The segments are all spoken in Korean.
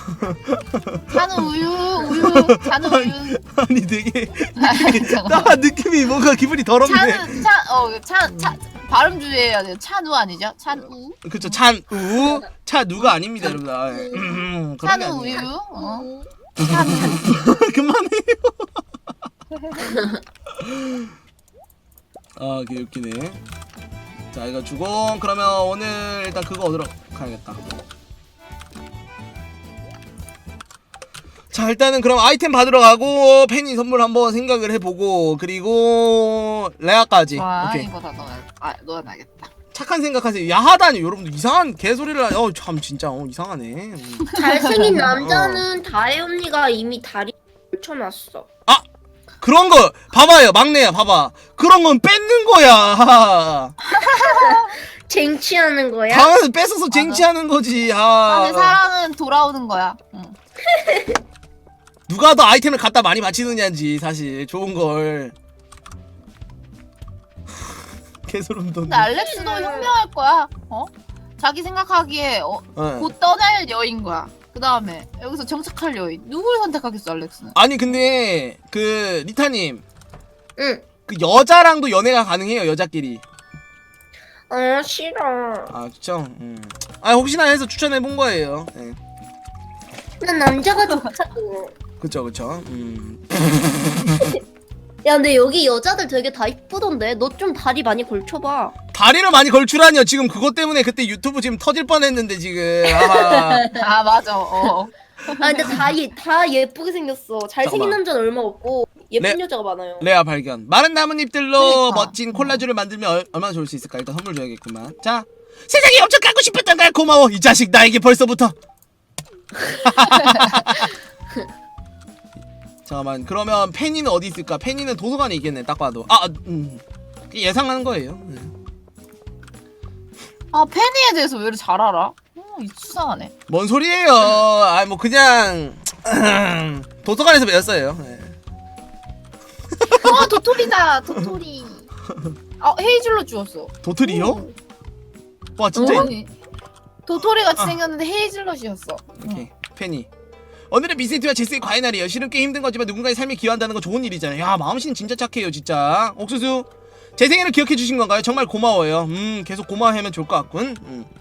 차는 우유, 차는 우유. 아니 되게 잠깐만. 딱 느낌이 뭔가 기분이 더럽네. 차 발음 주의해야 돼요. 찬우 아니죠? 찬우. 그쵸, 찬우. 차누가 아닙니다, 여러분. 그런 게 찬우 아니에요. 우유. 그만해요. 아, 개웃기네. 자, 이거 주공. 그러면 오늘 일단 그거 얻으러 가야겠다. 자, 일단은 그럼 아이템 받으러 가고 팬이 선물 한번 생각을 해보고 그리고 레아까지. 와, 오케이. 이거 다 넣어놔야겠다. 착한 생각하세요. 야하다니 여러분들 이상한 개소리를 참 진짜 이상하네. 잘생긴 남자는 다혜 언니가 이미 다리 걸쳐놨어. 그런 거 봐봐요, 막내야, 봐봐. 그런 건 뺏는 거야. 쟁취하는 거야? 방에서 뺏어서 쟁취하는 거지. 근데 사랑은 돌아오는 거야. 응. 누가 더 아이템을 갖다 많이 바치느냐지 사실 좋은 걸. 개소름 돋네. 근데 알렉스도 현명할 거야. 자기 생각하기에 곧 떠날 여인 거야. 그 다음에 여기서 정착할 여인. 누굴 선택하겠어, 알렉스는? 아니 근데 그 리타님, 응. 그 여자랑도 연애가 가능해요, 여자끼리. 싫어. 아 그쵸. 아 혹시나 해서 추천해 본 거예요. 네. 난 남자가 좋다고. 그쵸. 야, 근데 여기 여자들 되게 다 이쁘던데. 너 좀 다리 많이 걸쳐봐. 다리를 많이 걸출하니요. 지금 그것 때문에 그때 유튜브 지금 터질 뻔했는데 지금. 아 맞아. 근데 다 예쁘게 생겼어. 잘생긴 잠깐만. 남자는 얼마 없고 예쁜 네. 여자가 많아요. 레아 발견. 마른 나뭇잎들로 그러니까. 멋진 콜라주를 만들면 얼마나 좋을 수 있을까. 일단 선물 줘야겠구만. 자, 세상이 엄청 갖고 싶었던 걸 고마워. 이 자식 나에게 벌써부터. 잠깐만. 그러면 페니는 어디 있을까? 페니는 도서관에 있겠네. 딱 봐도. 예상하는 거예요. 아 페니에 대해서 왜 이렇게 잘 알아? 수상하네. 뭔 소리예요? 아 뭐 그냥 도서관에서 배웠어요. 네. 도토리다. 도토리. 헤이즐로 주웠어. 도토리요? 와 진짜. 아니, 도토리 같이 생겼는데 헤이즐넛이었어. 오케이. 페니. 오늘은 미세트와 제스의 과외 날이에요. 실은 꽤 힘든 거지만 누군가의 삶에 기여한다는 건 좋은 일이잖아요. 야, 마음씨는 진짜 착해요, 진짜. 옥수수, 제 생일을 기억해 주신 건가요? 정말 고마워요. 계속 고마워하면 좋을 것 같군.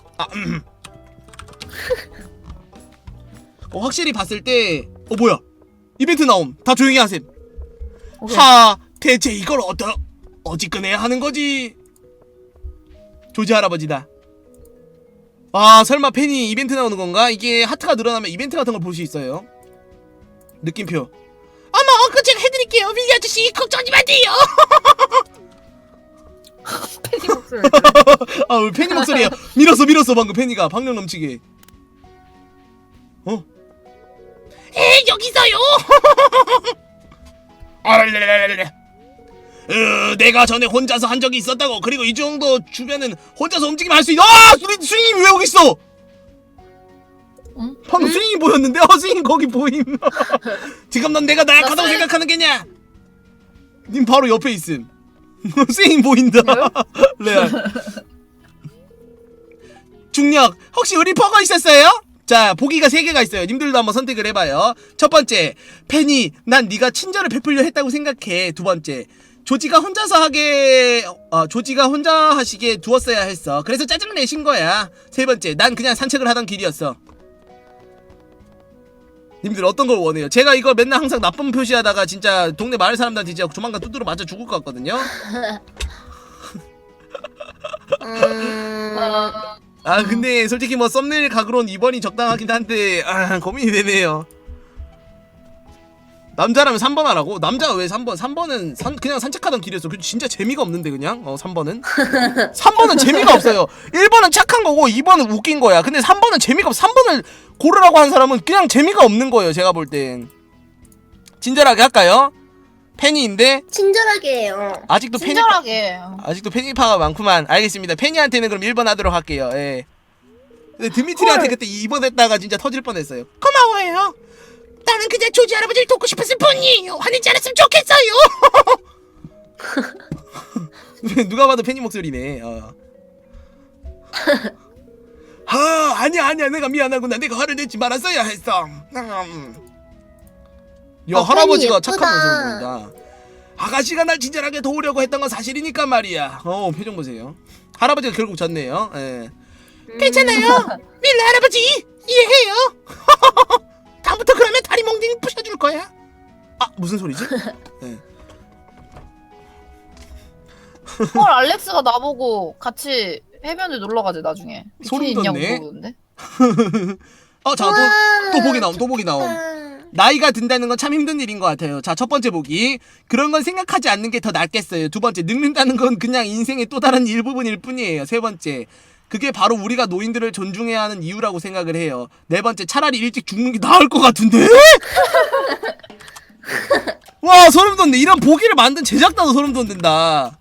확실히 봤을 때, 뭐야? 이벤트 나옴. 다 조용히 하셈. 오케이. 대체 이걸 어찌꺼내야 하는 거지? 조지 할아버지다. 아, 설마 팬이 이벤트 나오는 건가? 이게 하트가 늘어나면 이벤트 같은 걸 볼 수 있어요. 느낌표. 어머, 그거 제가 해드릴게요. 빌리 아저씨, 걱정하지 마세요. 페니 목소리. 우리 팬이 목소리야. 밀었어, 방금 팬이가 방력 넘치게. 여기서요. 내가 전에 혼자서 한 적이 있었다고. 그리고 이 정도 주변은 혼자서 움직이면 할 수 있어. 스윙이 왜 여기 있어? 응? 방금 스윙이 보였는데. 스윙 거기 보임. 지금 넌 내가 나약하다고 생각하는 게냐? 님 바로 옆에 있음. 스윙 보인다. 레알. 중력. 혹시 의리퍼가 있었어요? 자, 보기가 3개가 있어요. 님들도 한번 선택을 해봐요. 첫 번째, 팬이 난 네가 친절을 베풀려 했다고 생각해. 두 번째, 조지가 혼자 하시게 두었어야 했어. 그래서 짜증을 내신 거야. 세 번째, 난 그냥 산책을 하던 길이었어. 님들 어떤 걸 원해요? 제가 이거 맨날 항상 나쁜 표시하다가 진짜 동네 마을 사람들한테 진짜 조만간 두드러 맞아 죽을 것 같거든요. 근데 솔직히 뭐 썸네일 각으론 2번이 적당하긴 한데 고민이 되네요. 남자라면 3번 하라고? 남자가 왜 3번? 3번은 그냥 산책하던 길이었어. 진짜 재미가 없는데 그냥 3번은? 3번은 재미가 없어요. 1번은 착한 거고 2번은 웃긴 거야. 근데 3번은 재미가 없어. 3번을 고르라고 한 사람은 그냥 재미가 없는 거예요. 제가 볼 땐. 친절하게 할까요? 팬이인데 친절하게 해요. 아직도 친절하게. 아직도 팬이파가 많구만. 알겠습니다. 팬이한테는 그럼 1번 하도록 할게요. 예. 근데 드미트리한테 그때 2번 했다가 진짜 터질 뻔했어요. 고마워요. 나는 그냥 조지 할아버지를 돕고 싶었을 뿐이에요. 화내지 않았으면 좋겠어요. 누가 봐도 팬이 목소리네. 아니야 내가 미안하구나. 내가 화를 내지 말았어야 했어. 야 할아버지가 예쁘다. 착한 모습을 보인다. 아가씨가 날 친절하게 도우려고 했던 건 사실이니까 말이야. 표정 보세요. 할아버지가 결국 졌네요. 예. 괜찮아요. 밀라 할아버지 이해해요. 다음부터 그러면 다리 몽둥이 부셔줄 거야. 아 무슨 소리지? 예. 헐 알렉스가 나보고 같이 해변에 놀러 가재 나중에. 소름 비키니 있냐고 돋네. 물어보는데. 자, 또 보기 나옴, 또 보기 나옴. 나이가 든다는 건 참 힘든 일인 것 같아요. 자, 첫 번째 보기. 그런 건 생각하지 않는 게 더 낫겠어요. 두 번째, 늙는다는 건 그냥 인생의 또 다른 일부분일 뿐이에요. 세 번째, 그게 바로 우리가 노인들을 존중해야 하는 이유라고 생각을 해요. 네 번째, 차라리 일찍 죽는 게 나을 것 같은데? 와, 소름 돋네. 이런 보기를 만든 제작자도 소름 돋는다.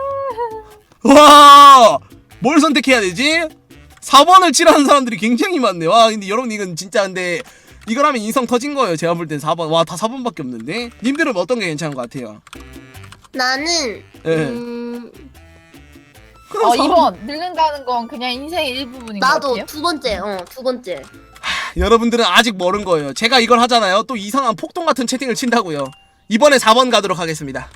와, 뭘 선택해야 되지? 4번을 칠하는 사람들이 굉장히 많네. 와 근데 여러분 이건 진짜 근데 이걸 하면 인성 터진 거예요. 제가 볼 땐 4번. 와 다 4번밖에 없는데. 님들은 어떤 게 괜찮은 것 같아요? 나는 예. 2번 늙는다는 건 그냥 인생의 일부분인 것 나도 같아요. 두 번째. 두 번째. 여러분들은 아직 모른 거예요. 제가 이걸 하잖아요. 또 이상한 폭동 같은 채팅을 친다고요. 이번에 4번 가도록 하겠습니다.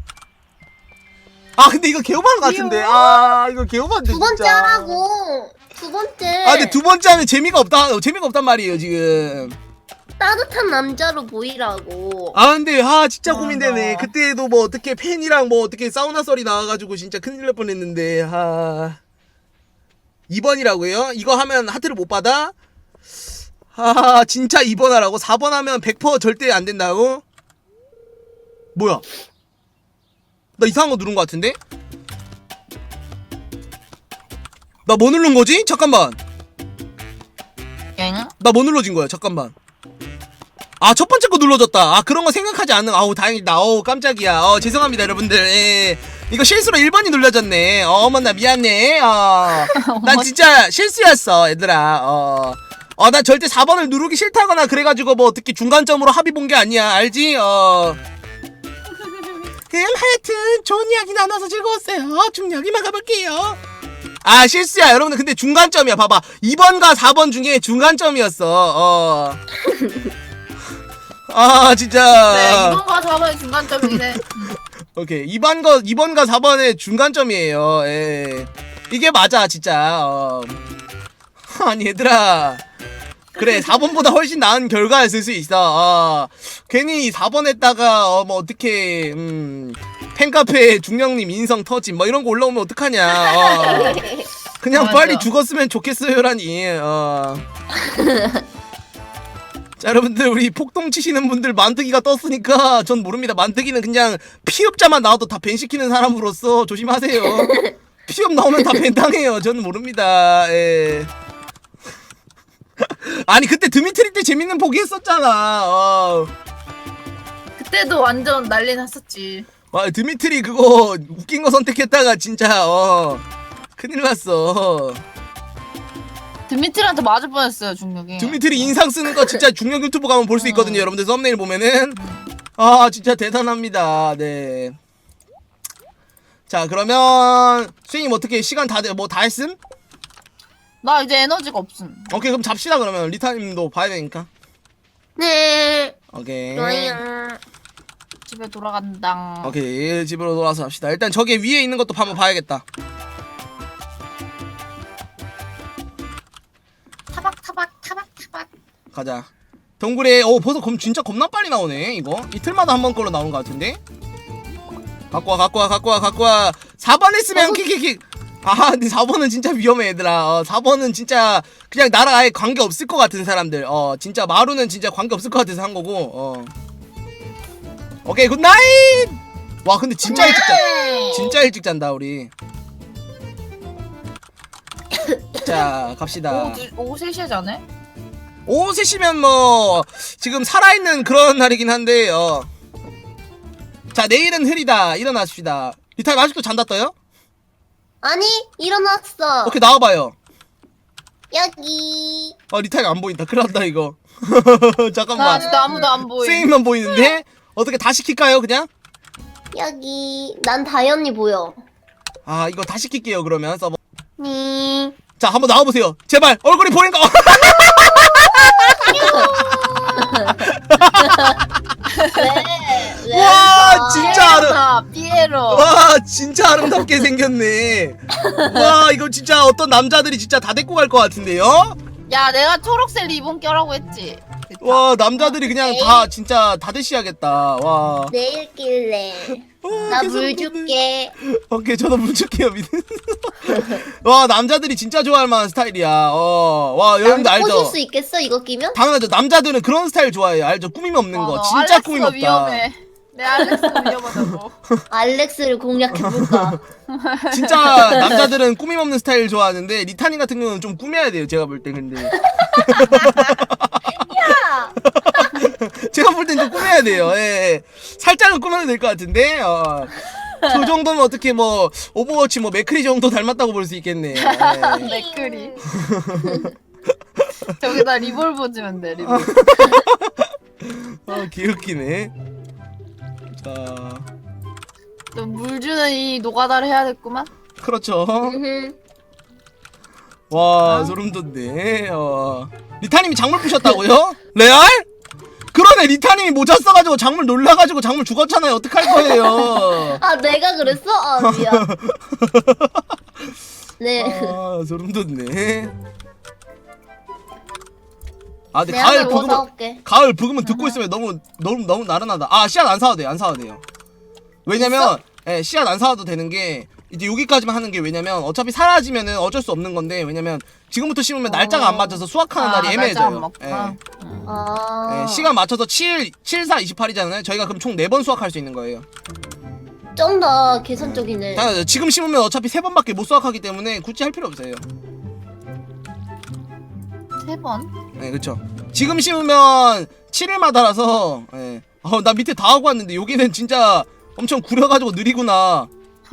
아 근데 이거 개오바한 것 같은데. 아 이거 개오바인데 두 번째 진짜. 하라고. 두 번째. 아 근데 두 번째 하면 재미가 없단 말이에요 지금. 따뜻한 남자로 보이라고. 아 근데 진짜 맞아. 고민되네. 그때도 뭐 어떻게 팬이랑 뭐 어떻게 사우나 썰이 나와가지고 진짜 큰일 날 뻔했는데 2번이라고요? 이거 하면 하트를 못 받아? 진짜 2번 하라고? 4번 하면 100% 절대 안 된다고? 뭐야? 나 이상한 거 누른 거 같은데? 나 뭐 누른 거지? 잠깐만. 엥? 나 뭐 눌러진 거야? 잠깐만. 첫 번째 거 눌러졌다. 그런 거 생각하지 않는. 다행이다. 깜짝이야. 죄송합니다, 여러분들. 예. 이거 실수로 1번이 눌러졌네. 어머나, 미안해. 난 진짜 실수였어, 얘들아. 난 절대 4번을 누르기 싫다거나 그래가지고 뭐 어떻게 중간점으로 합의 본 게 아니야. 알지? 하여튼 좋은 이야기 나눠서 즐거웠어요. 좀 여기만 가볼게요. 실수야 여러분들. 근데 중간점이야. 봐봐 2번과 4번 중에 중간점이었어. 진짜. 네 2번과 4번의 중간점이네. 오케이 2번과 4번의 중간점이에요. 예. 이게 맞아 진짜. 아니 얘들아 그래 4번보다 훨씬 나은 결과였을 수 있어. 괜히 4번 했다가 뭐 어떻게 팬카페 중령님 인성 터짐 뭐 이런 거 올라오면 어떡하냐. 그냥 맞아. 빨리 죽었으면 좋겠어요라니. 자 여러분들 우리 폭동 치시는 분들 만드기가 떴으니까 전 모릅니다. 만드기는 그냥 피업자만 나와도 다 밴시키는 사람으로서 조심하세요. 피업 나오면 다 밴 당해요. 저는 모릅니다. 예. 아니 그때 드미트리 때 재밌는 보기 했었잖아. 그때도 완전 난리 났었지. 드미트리 그거 웃긴 거 선택했다가 진짜 큰일 났어. 드미트리한테 맞을 뻔했어요 중력이. 드미트리 인상 쓰는 거 진짜 중력 유튜브 가면 볼 수 있거든요. 여러분들 썸네일 보면은 진짜 대단합니다. 네. 자 그러면 수행님 어떻게 시간 다 했음? 나 이제 에너지가 없음. 오케이 그럼 잡시다. 그러면 리타님도 봐야 되니까. 네. 오케이. 좋아요. 집에 돌아간다. 오케이 집으로 돌아서 합시다. 일단 저기 위에 있는 것도 한번 봐야겠다. 타박. 가자. 동굴에 벌써 진짜 겁나 빨리 나오네. 이거 이틀마다 한 번 걸로 나오는 것 같은데. 갖고 와. 4번 했으면 킥킥킥. 근데 4번은 진짜 위험해 얘들아. 4번은 진짜 그냥 나랑 아예 관계 없을 것 같은 사람들. 진짜 마루는 진짜 관계 없을 것 같아서 한 거고. 오케이 굿나잇. 와 근데 진짜 일찍 잔. 진짜 일찍 잔다 우리. 자 갑시다. 오후 3시에 자네? 오후 3시면 뭐 지금 살아있는 그런 날이긴 한데 자 내일은 흐리다. 일어나십시다. 리타임 아직도 잔다 떠요? 아니 일어났어. 오케이 나와봐요. 여기. 리타임 안 보인다. 큰일 났다 이거. 나 잠깐만 아직도 아무도 안 보임. 스윙만 보이는데 어떻게 다 시킬까요 그냥? 여기. 난 다현이 보여. 이거 다 시킬게요 그러면 서버. 니. 자 한번 나와보세요. 제발 얼굴이 보인가? 와 진짜 피에로. 와 진짜 아름답게 생겼네. 와 이거 진짜 어떤 남자들이 진짜 다 데리고 갈 것 같은데요? 야 내가 초록색 리본 껴라고 했지. 됐다. 와 남자들이 그냥 다 진짜 다 대시하겠다. 와. 내일 길래. 나 물 줄게. 오케이 저도 물 줄게요 미는. 와 남자들이 진짜 좋아할 만한 스타일이야. 와 여러분들 난 꼬실 알죠? 수 있겠어 이거 끼면? 당연하죠. 남자들은 그런 스타일 좋아해요. 알죠? 꾸밈 없는 거. 진짜 꾸밈 없다. 위험해. 내 알렉스가 위험하다고. 알렉스를 공략해볼까? 진짜 남자들은 꾸밈 없는 스타일 좋아하는데 리타님 같은 경우는 좀 꾸며야 돼요. 제가 볼 때 근데. 야! 제가 볼 땐 좀 꾸며야 돼요. 예. 살짝은 꾸며도 될 것 같은데. 저 정도면 어떻게 뭐 오버워치 뭐 맥크리 정도 닮았다고 볼 수 있겠네요. 예. 맥크리. 저기다 리볼버 주면 돼. 리볼버. 개웃기네. 자, 물 주는 이 노가다를 해야겠구만. 그렇죠. 음흠. 와 소름 돋네. 리타님이 작물 부셨다고요? 레알? 그러네 리타님이 모자 써가지고 작물 놀라가지고 작물 죽었잖아요. 어떡할 거예요? 아 내가 그랬어? 아 미안. 네. 아 소름 돋네. 아 근데 내가 가을 뭐 부금은 사올게. 가을 부금은 듣고 있으면 너무 나른하다. 아 씨앗 안 사도 돼요. 안 사도 돼요. 왜냐면 예, 씨앗 안 사도 되는 게 이제 여기까지만 하는 게 왜냐면 어차피 사라지면은 어쩔 수 없는 건데 왜냐면 지금부터 심으면 날짜가 안 맞아서 수확하는 날이 날짜 안 애매해져요. 맞구나. 아. 예, 시간 맞춰서 7, 4, 28이잖아요. 저희가 그럼 총 4번 수확할 수 있는 거예요. 좀 더 계산적이네. 당연하죠. 지금 심으면 어차피 3번밖에 못 수확하기 때문에 굳이 할 필요 없어요. 3번. 네, 그쵸. 지금 심으면 7일마다라서, 예. 나 밑에 다 하고 왔는데, 여기는 진짜 엄청 구려가지고 느리구나.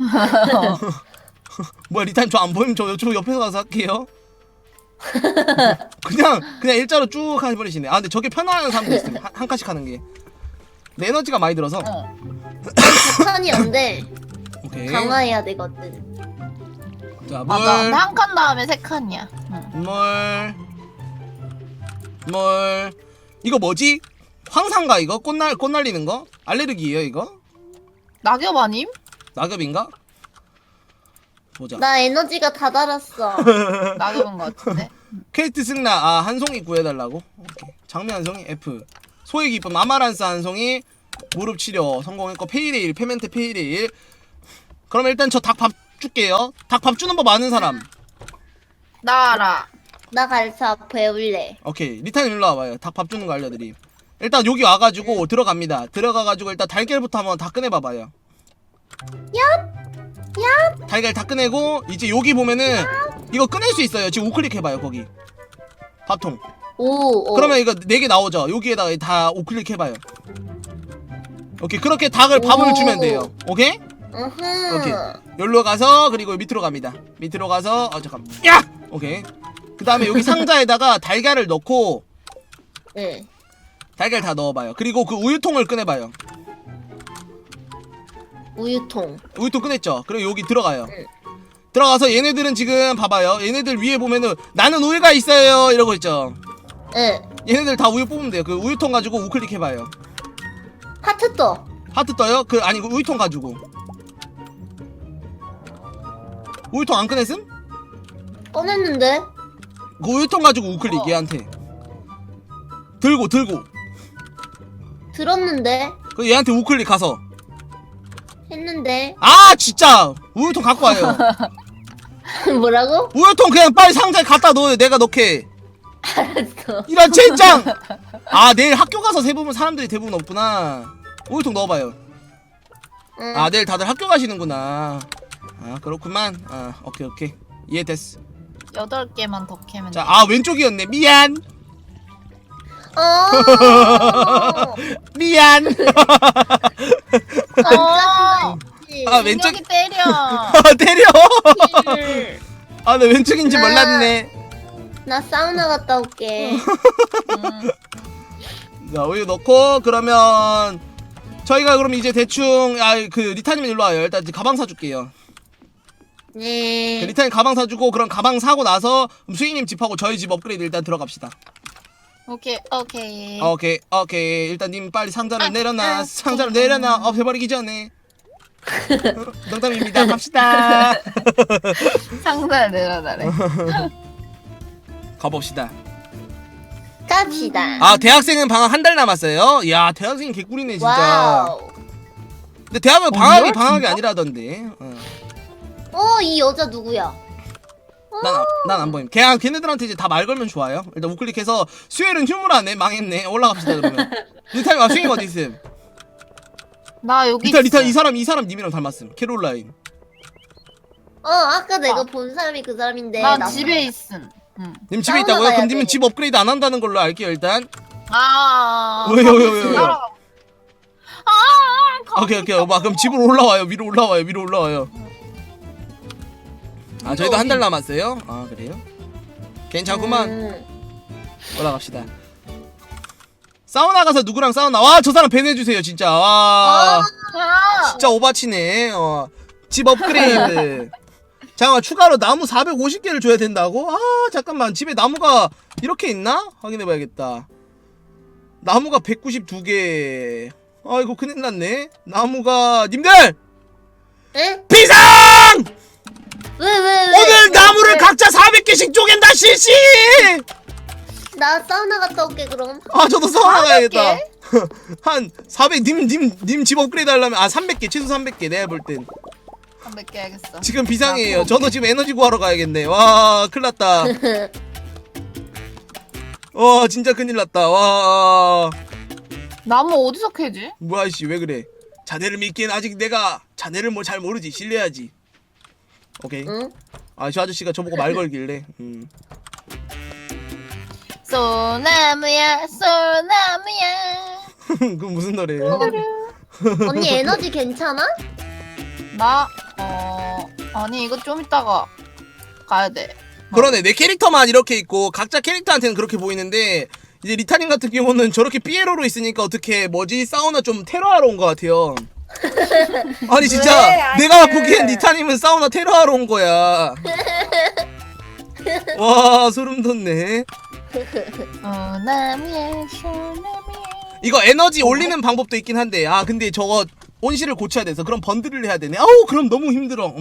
뭐야, 리타임 저 안 보이면 저 옆에서 가서 할게요. 그냥 일자로 쭉 해버리시네. 아, 근데 저게 편안한 사람도 있어요. 한 칸씩 하는 게. 내 에너지가 많이 들어서. 북한이 안 돼. 오케이. 강화해야 되거든. 자, 물. 맞아. 한 칸 다음에 3칸이야. 물. 이거 뭐지? 황산가 이거? 꽃 날리는 거? 알레르기예요 이거? 낙엽 아님? 낙엽인가? 보자. 나 에너지가 다 달았어. 낙엽인 것 같은데. 케이트 승나 한 송이 구해달라고? 오케이. 장미 한 송이 F. 소의 기쁨 아마란스 한 송이 무릎 치료 성공했고 페이레일 페멘테 페이레일. 그럼 일단 저 닭 밥 줄게요. 닭 밥 주는 법 아는 사람. 나 알아. 나 갈사 배울래. 오케이 리타님 일로 와봐요. 닭 밥 주는 거 알려드림. 일단 여기 와가지고 들어갑니다. 들어가가지고 일단 달걀부터 한번 다 꺼내봐봐요. 얍! 달걀 다 꺼내고 이제 여기 보면은 이거 꺼낼 수 있어요. 지금 우클릭 해봐요 거기 밥통. 오. 그러면 이거 4개 나오죠. 여기에다가 다 우클릭 해봐요. 오케이 그렇게 닭을 밥을 주면 돼요. 오케이? 오케이. 여기로 가서 그리고 밑으로 갑니다. 밑으로 가서 잠깐. 야! 오케이. 그 다음에 여기 상자에다가 달걀을 넣고 네. 달걀 다 넣어봐요. 그리고 그 우유통을 꺼내봐요. 우유통. 우유통 꺼냈죠? 그리고 여기 들어가요. 응. 들어가서 얘네들은 지금 봐봐요. 얘네들 위에 보면은 나는 우유가 있어요 이러고 있죠. 네. 얘네들 다 우유 뽑으면 돼요. 그 우유통 가지고 우클릭 해봐요. 하트 떠. 하트 떠요? 아니 그 우유통 가지고. 우유통 안 꺼냈음? 꺼냈는데. 그 우유통 가지고 우클릭 얘한테. 들고 들었는데. 그 얘한테 우클릭 가서. 했는데. 아 진짜 우유통 갖고 와요. 뭐라고? 우유통 그냥 빨리 상자에 갖다 넣어요. 내가 넣게. 알았어. 이런 젠장. 아 내일 학교 가서 대부분 사람들이 대부분 없구나. 우유통 넣어봐요. 응. 아 내일 다들 학교 가시는구나. 아 그렇구만. 아 오케이 이해됐어. 8개만 더 캐면 자 돼. 왼쪽이었네. 미안. 미안. 왼쪽 민혁이 때려. 때려. 아 나 왼쪽인지 몰랐네. 나 사우나 갔다 올게. 자 우유 넣고 그러면 저희가 그럼 이제 대충 그 리타님 일로 와요. 일단 이제 가방 사줄게요. 네. 리타님 가방 사주고 그럼 가방 사고 나서 수익님 집하고 저희 집 업그레이드 일단 들어갑시다. 오케이. 오케이. 일단 님 빨리 상자를 내려놔. 상자를 내려놔. 없애버리기 전에. 농담입니다. 갑시다. 상자를 내려놔래. 가봅시다. 갑시다. 아 대학생은 방학 한 달 남았어요. 야 대학생이 개꿀이네 진짜. 와우. 근데 대학은 방학이 뭐야, 방학이 진짜? 아니라던데. 이 여자 누구야? 난 안 보임. 걔네들한테 이제 다 말 걸면 좋아요. 일단 우클릭해서 수혜는 휴무라네. 망했네. 올라갑시다 그러면. 리타님 수혜가 어디 있음? 나 여기 리타 있어. 이 사람 님이랑 닮았음. 캐롤라인. 아까 내가 본 사람이 그 사람인데. 나 나 집에 있음. 응. 님 집에 사우나 있다고요? 가야 그럼 님은 돼. 집 업그레이드 안 한다는 걸로 알게요 일단. 왜요? 왜요? 오케이. 그럼 집으로 올라와요. 위로 올라와요. 아 저희도 한 달 남았어요. 아 그래요? 괜찮구만. 올라갑시다. 사우나 가서 누구랑 사우나? 와 저 사람 밴해주세요 진짜. 와 진짜 오바치네. 집 업그레이드. 잠깐만 추가로 나무 450개를 줘야 된다고? 아 잠깐만 집에 나무가 이렇게 있나? 확인해봐야겠다. 나무가 192개. 아이고 큰일났네. 나무가 님들! 에? 비상! 왜? 오늘 나무를 각자 400개씩 쪼갠다 실시! 나 사우나 갔다 올게 그럼. 아 저도 사우나 가야겠다. 한 400, 님 집 업그레이드 하려면 300개 최소 300개 내가 볼땐 300개 알겠어. 지금 비상이에요. 저도 지금 에너지 구하러 가야겠네. 와 큰일났다. 와 진짜 큰일났다. 와 나무 어디서 캐지? 뭐야 씨 왜 그래. 자네를 믿기엔 아직 내가 자네를 뭐 잘 모르지. 신뢰하지. 오케이. 응? 아 저 아저씨가 저보고 말 걸길래 소나무야. 그건 무슨 노래예요? 언니 에너지 괜찮아? 나 아니 이거 좀 이따가 가야 돼. 그러네 내 캐릭터만 이렇게 있고 각자 캐릭터한테는 그렇게 보이는데 이제 리타님 같은 경우는 저렇게 삐에로로 있으니까 어떻게 뭐지 사우나 좀 테러하러 온 것 같아요. 아니 진짜 왜? 내가 보기엔 리타님은 사우나 테러하러 온 거야. 와 소름 돋네. 소나무야. 이거 에너지 올리는 방법도 있긴 한데 아 근데 저거 온실을 고쳐야 돼서 그럼 번들을 해야 되네. 아우 그럼 너무 힘들어.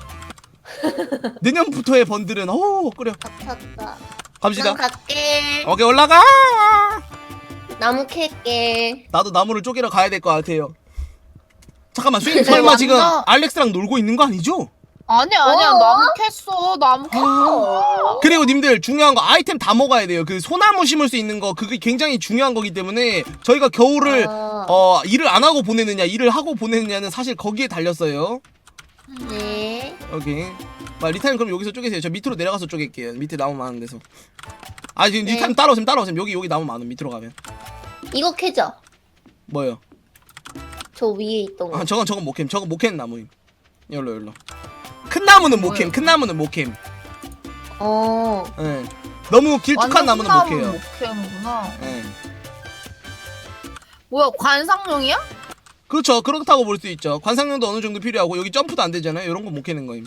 내년부터의 번들은 어우 끓여. 갇혔다. 갑시다. 난 갈게. 오케이 올라가. 나무 캘게. 나도 나무를 쪼개러 가야 될 것 같아요. 잠깐만 수인 근데 설마 완전- 지금 알렉스랑 놀고 있는 거 아니죠? 아니야 나무 캤어. 나무 캤어. 그리고 님들 중요한 거 아이템 다 먹어야 돼요. 그 소나무 심을 수 있는 거 그게 굉장히 중요한 거기 때문에 저희가 겨울을 일을 안 하고 보내느냐 일을 하고 보내느냐는 사실 거기에 달렸어요. 네. 오케이. 리타님 그럼 여기서 쪼개세요. 저 밑으로 내려가서 쪼갤게요. 밑에 나무 많은 데서. 아 지금 네. 리타님 따라오세요. 여기 나무 많음 밑으로 가면. 이거 캐죠? 뭐요? 저 위에 있던 거. 아 저건 못캠. 저건 못캠 나무임. 열로. 큰 나무는 못캠. 큰 나무는 못캠. 예. 너무 길쭉한 나무는 못 캐요. 못 캐는구나. 예. 뭐야 관상용이야? 그렇죠. 그렇다고 볼 수 있죠. 관상용도 어느 정도 필요하고 여기 점프도 안 되잖아요. 이런 거 못 캐는 거임.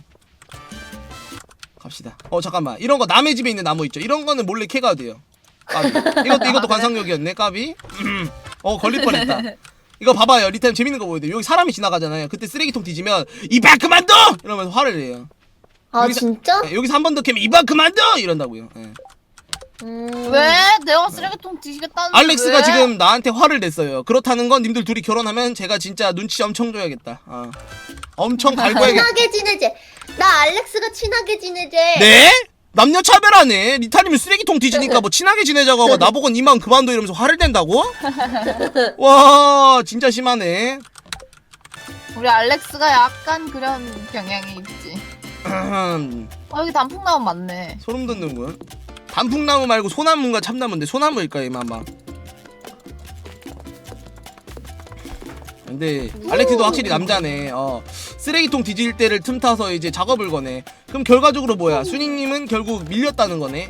갑시다. 잠깐만. 이런 거 남의 집에 있는 나무 있죠. 이런 거는 몰래 캐가도 돼요. 까비. 이것도 관상용이었네. 까비. 걸릴 뻔했다. 이거 봐봐요. 리타임 재밌는 거 보여요. 여기 사람이 지나가잖아요. 그때 쓰레기통 뒤지면 이발 그만둬! 이러면서 화를 내요. 아 여기서- 진짜? 여기서 한 번 더 캐면 이발 그만둬! 이런다고요. 예. 왜? 내가 쓰레기통 뒤지겠다는데 알렉스가 왜? 지금 나한테 화를 냈어요. 그렇다는 건 님들 둘이 결혼하면 제가 진짜 눈치 엄청 줘야겠다. 엄청 갈고야겠다. 친하게 지내재. 나 알렉스가 친하게 지내재. 네? 남녀 차별하네. 리타님은 쓰레기통 뒤지니까 뭐 친하게 지내자고 하고 나보고 이만 그만둬 이러면서 화를 낸다고? 와 진짜 심하네. 우리 알렉스가 약간 그런 경향이 있지. 여기 단풍나무 많네. 소름 돋는군. 단풍나무 말고 소나무인가 참나무인데 소나무일까 이마마. 근데 알렉스도 확실히 남자네. 쓰레기통 뒤질 때를 틈타서 이제 작업을 거네. 그럼 결과적으로 뭐야? 순이님은 결국 밀렸다는 거네.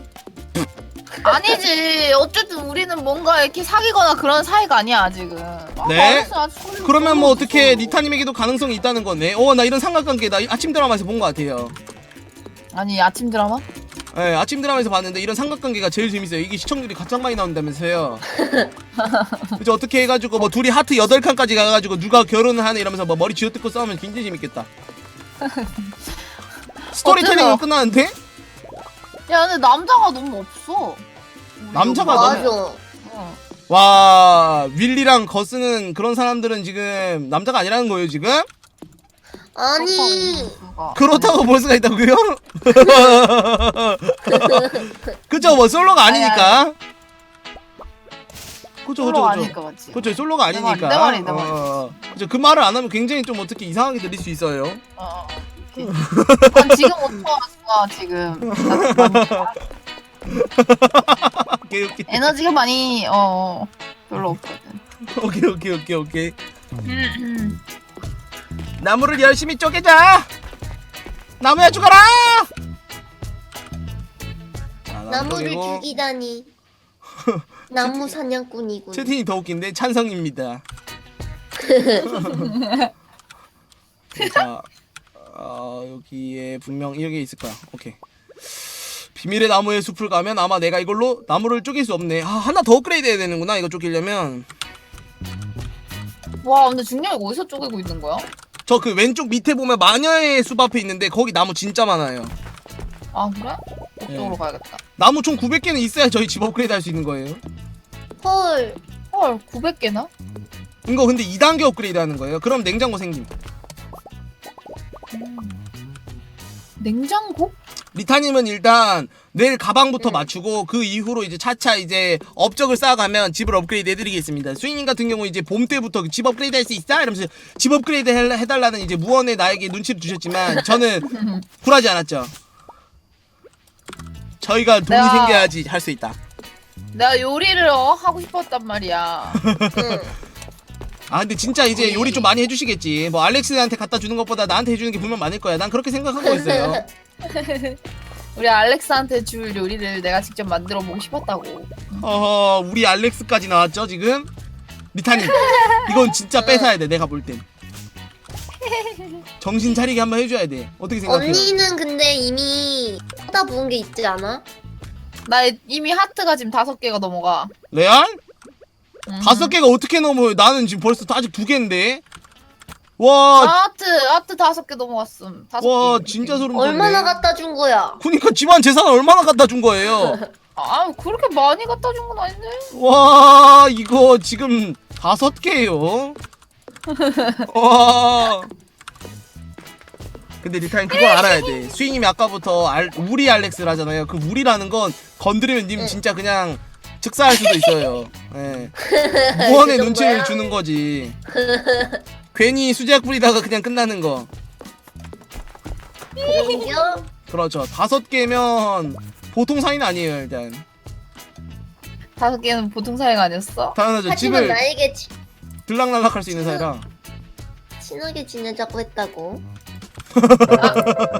아니지. 어쨌든 우리는 뭔가 이렇게 사귀거나 그런 사이가 아니야 아직은. 네? 알렉스 아직 소름 그러면 뭐 돋았어. 어떻게 리타님에게도 가능성이 있다는 거네. 나 이런 삼각관계 나 아침 드라마에서 본 것 같아요. 아니 아침 드라마? 예, 아침 드라마에서 봤는데 이런 삼각관계가 제일 재밌어요. 이게 시청률이 가장 많이 나온다면서요. 그죠? 어떻게 해가지고 뭐 둘이 하트 8칸까지 가가지고 누가 결혼을 하네 이러면서 뭐 머리 쥐어뜯고 싸우면 굉장히 재밌겠다. 스토리텔링으로 어쩌나. 끝나는데? 야 근데 남자가 너무 없어. 남자가 맞아. 어. 와, 윌리랑 거스는 그런 사람들은 지금 남자가 아니라는 거예요 지금? 아니. 그렇다고 볼 수가 있다고요? 그쵸, 뭐 솔로가 아니니까. 그쵸, 솔로 그쵸, 그쵸. 아니까 맞지. 그쵸, 솔로가 내 아니니까. 말이, 내 말이. 그쵸, 그 말을 안 하면 굉장히 좀 어떻게 이상하게 들릴 수 있어요. 오케이. 난 지금 못 좋았어 지금. 나 많이 오케이, 오케이. 에너지가 많이 별로 없거든. 오케이. 나무를 열심히 쪼개자. 나무야 죽어라. 자, 나무 나무를 쪼개고. 죽이다니. 나무 사냥꾼이군. 채팅이 더 웃긴데 찬성입니다. 자, 여기에 분명 이렇게 있을 거야. 오케이. 비밀의 나무의 숲을 가면 아마 내가 이걸로 나무를 쪼갤 수 없네. 하나 더 업그레이드 해야 되는구나. 이거 쪼개려면. 와 근데 중량이 어디서 쪼개고 있는 거야? 저 그 왼쪽 밑에 보면 마녀의 숲 앞에 있는데 거기 나무 진짜 많아요. 아 그래? 그쪽으로 네. 가야겠다. 나무 총 900개는 있어야 저희 집 업그레이드 할 수 있는 거예요. 헐. 헐 900개나? 이거 근데 2단계 업그레이드 하는 거예요. 그럼 냉장고 생김. 냉장고? 리타님은 일단 내일 가방부터 맞추고 그 이후로 이제 차차 이제 업적을 쌓아가면 집을 업그레이드 해드리겠습니다. 수인님 같은 경우 이제 봄 때부터 집 업그레이드 할 수 있어? 이러면서 집 업그레이드 해달라는 이제 무언의 나에게 눈치를 주셨지만 저는 굴하지 않았죠. 저희가 돈이 내가- 생겨야지 할 수 있다. 내가 요리를 하고 싶었단 말이야. 응. 아 근데 진짜 이제 요리 좀 많이 해주시겠지. 뭐 알렉스한테 갖다 주는 것보다 나한테 해주는 게 분명 많을 거야. 난 그렇게 생각하고 있어요. 우리 알렉스한테 줄 요리를 내가 직접 만들어 보고 싶었다고. 우리 알렉스까지 나왔죠 지금? 리타님 이건 진짜 뺏어야 돼. 내가 볼 땐 정신 차리게 한번 해줘야 돼. 어떻게 생각해요? 언니는 근데 이미 하다 부은 게 있지 않아? 나 이미 하트가 지금 5개가 넘어가. 레알? 음. 5개가 어떻게 넘어요? 나는 지금 벌써 아직 2개인데. 와, 하트 5개 넘어갔음. 5개. 와 진짜 소름 돋네. 얼마나 갖다 준 거야? 그니까 집안 재산 얼마나 갖다 준 거예요? 아 그렇게 많이 갖다 준 건 아닌데. 와 이거 지금 5개예요. 와. 근데 리타임 그거 알아야 돼. 수희님이 아까부터 우리 알렉스라잖아요. 그 우리라는 건 건드리면 님 진짜 그냥 즉사할 수도 있어요. 예. 무언의 그 눈치를 정도야? 주는 거지. 괜히 수제약 뿌리다가 그냥 끝나는 거. 그런겨? 그렇죠. 5개면 보통 사이는 아니에요 일단. 5개는 보통 사이가 아니었어? 당연하죠. 하지만 집을 나에게 들락날락할 수 있는 사이라. 친하게 지내자고 했다고.